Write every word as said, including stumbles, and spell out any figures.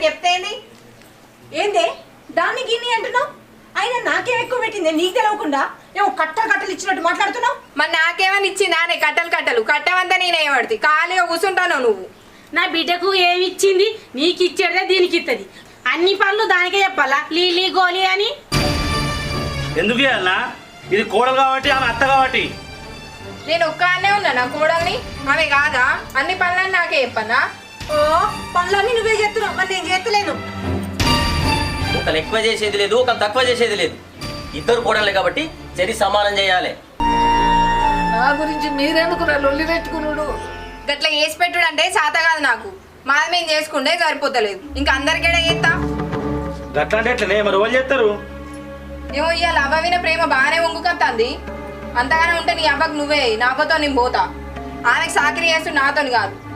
చెప్తేంది ఏందే దాన్ని గిన్ని అంటున్నావు? అయినా నాకేం ఎక్కువ పెట్టింది నీకు తెలవకుండా ఏమో కట్టలు కట్టలు ఇచ్చినట్టు మాట్లాడుతున్నావు. మరి నాకేమని ఇచ్చిందా నే కట్టలు కట్టలు కట్టమంతా నేనేమడుతుంది ఖాళీగా కూర్చుంటాను నువ్వు. నా బిడ్డకు ఏమి ఇచ్చింది నీకు ఇచ్చేదే దీనికి ఇస్తుంది. అన్ని పనులు దానికే చెప్పాలా లీలీ గోలీ అని? ఎందుకు ఇవ్వాలన్నా? ఇది కోడలు కాబట్టి ఆమె అత్త కాబట్టి. నేను ఒక్కనే ఉన్నా నా కోడల్ని ఆమె కాదా? అన్ని పనులన్నీ నాకే చెప్పన్నా? ఓ పనులన్నీ నువ్వే చేస్తున్నావు, మరి నేను చేస్తలేను. ఒకరు ఎక్కువ చేసేది లేదు, ఒకరు తక్కువ చేసేది లేదు. ఇద్దరు కోడలే కాబట్టి చరి సమానం చేయాలి. నా గురించి మీరెందుకు లొల్లి పెట్టుకున్నాడు? గట్లా వేసి పెట్టుడు అంటే చేత కాదు నాకు. మాది మేము చేసుకుంటే సరిపోతలేదు, ఇంకా అందరికీ చేస్తా. గట్లా అంటే ఎట్లనే మరి వాళ్ళు చేస్తారు? ఏమో ఇవాళ అవ్వ విన ప్రేమ బాగానే వంగుకొస్తుంది. అంతగానే ఉంటే నీ అవ్వకు నువ్వే, నాతో నేను పోతా. ఆమెకు సాకిరి చేస్తూ నాతో కాదు.